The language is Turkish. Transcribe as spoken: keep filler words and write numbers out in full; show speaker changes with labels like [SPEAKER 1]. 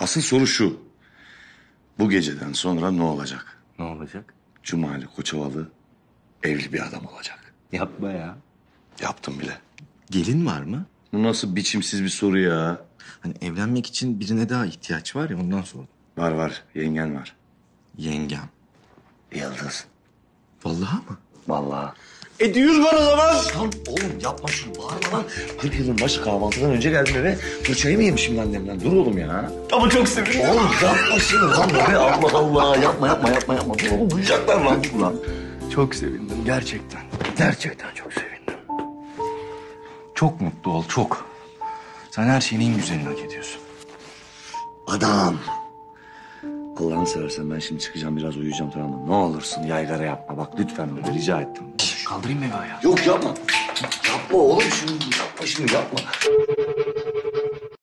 [SPEAKER 1] Asıl soru şu. Bu geceden sonra ne olacak?
[SPEAKER 2] Ne olacak?
[SPEAKER 1] Cumali Koçovalı evli bir adam olacak.
[SPEAKER 2] Yapma ya.
[SPEAKER 1] Yaptım bile.
[SPEAKER 3] Gelin var mı?
[SPEAKER 1] Bu nasıl biçimsiz bir soru ya?
[SPEAKER 3] Hani evlenmek için birine daha ihtiyaç var ya ondan sordum.
[SPEAKER 1] Var var, yengen var.
[SPEAKER 3] Yengem.
[SPEAKER 1] Yıldız.
[SPEAKER 3] Vallahi mı?
[SPEAKER 1] Vallahi.
[SPEAKER 3] E düğün var o zaman.
[SPEAKER 1] Lan oğlum yapma şunu, bağırma lan. kırk yılın başı kahvaltıdan önce geldim eve. Fırçayı mı yemişim annemden? Dur oğlum ya.
[SPEAKER 3] Ama çok sevindim.
[SPEAKER 1] Oğlum yapma şunu lan be. Allah Allah. Yapma yapma yapma yapma. Dur oğlum duyacaklar lan. Dur lan.
[SPEAKER 3] Çok sevindim gerçekten. Gerçekten çok sevindim. Çok mutlu ol çok. Sen her şeyin en güzelini hak ediyorsun.
[SPEAKER 1] Adam. Allah'ını seversen ben şimdi çıkacağım biraz uyuyacağım tamam mı? Ne olursun yaygara yapma bak lütfen öyle rica ettim.
[SPEAKER 3] Kaldırayım mı eve ayağı?
[SPEAKER 1] Yok yapma. Yapma oğlum şunu yapma şunu yapma.